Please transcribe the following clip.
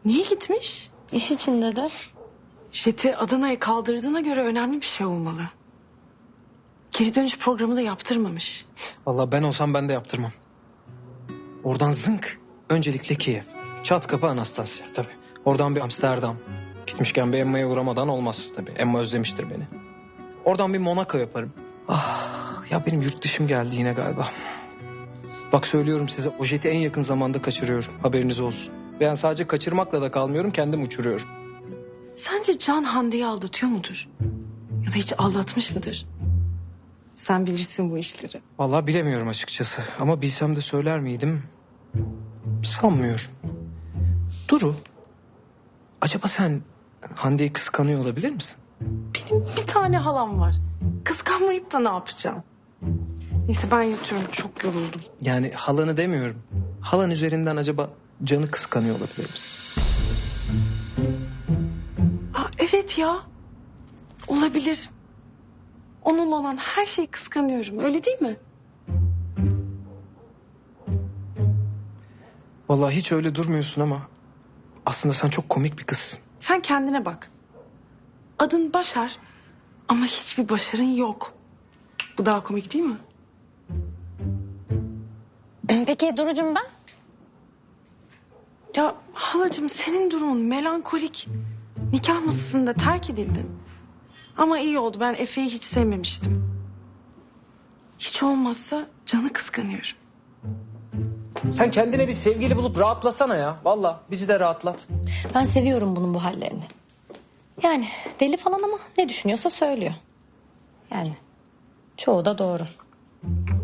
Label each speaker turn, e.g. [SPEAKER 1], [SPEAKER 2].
[SPEAKER 1] Niye gitmiş?
[SPEAKER 2] İş içinde de.
[SPEAKER 1] Jet'i Adana'ya kaldırdığına göre önemli bir şey olmalı. Geri dönüş programı da yaptırmamış.
[SPEAKER 3] Vallahi ben olsam ben de yaptırmam. Oradan zınk. Öncelikle Kiev. Çat kapı Anastasya tabii. Oradan bir Amsterdam. Gitmişken bir Emma'ya uğramadan olmaz tabii. Emma özlemiştir beni. Oradan bir Monaco yaparım. Ah ya benim yurt dışım geldi yine galiba. Bak söylüyorum size o jeti en yakın zamanda kaçırıyorum. Haberiniz olsun. Ve yani sadece kaçırmakla da kalmıyorum, kendim uçuruyorum.
[SPEAKER 1] Sence Can Hande'yi aldatıyor mudur? Ya da hiç aldatmış mıdır? Sen bilirsin bu işleri.
[SPEAKER 3] Vallahi bilemiyorum açıkçası. Ama bilsem de söyler miydim? Sanmıyorum. Duru, acaba sen Hande'yi kıskanıyor olabilir misin?
[SPEAKER 1] Benim bir tane halam var. Kıskanmayıp da ne yapacağım? Neyse ben yatıyorum, çok yoruldum.
[SPEAKER 3] Yani halanı demiyorum. Halan üzerinden acaba Can'ı kıskanıyor olabilir misin?
[SPEAKER 1] Aa, evet ya. Olabilir. Onun olan her şeyi kıskanıyorum. Öyle değil mi?
[SPEAKER 3] Vallahi hiç öyle durmuyorsun ama aslında sen çok komik bir kızsın.
[SPEAKER 1] Sen kendine bak. Adın Başar ama hiçbir başarın yok. Bu daha komik değil mi?
[SPEAKER 2] Peki Duru'cum ben?
[SPEAKER 1] Ya halacığım senin durumun melankolik. Nikah masasında terk edildin. Ama iyi oldu, ben Efe'yi hiç sevmemiştim. Hiç olmazsa Can'ı kıskanıyorum.
[SPEAKER 3] Sen kendine bir sevgili bulup rahatlasana ya. Vallahi bizi de rahatlat.
[SPEAKER 2] Ben seviyorum bunun bu hallerini. Yani deli falan ama ne düşünüyorsa söylüyor. Yani çoğu da doğru.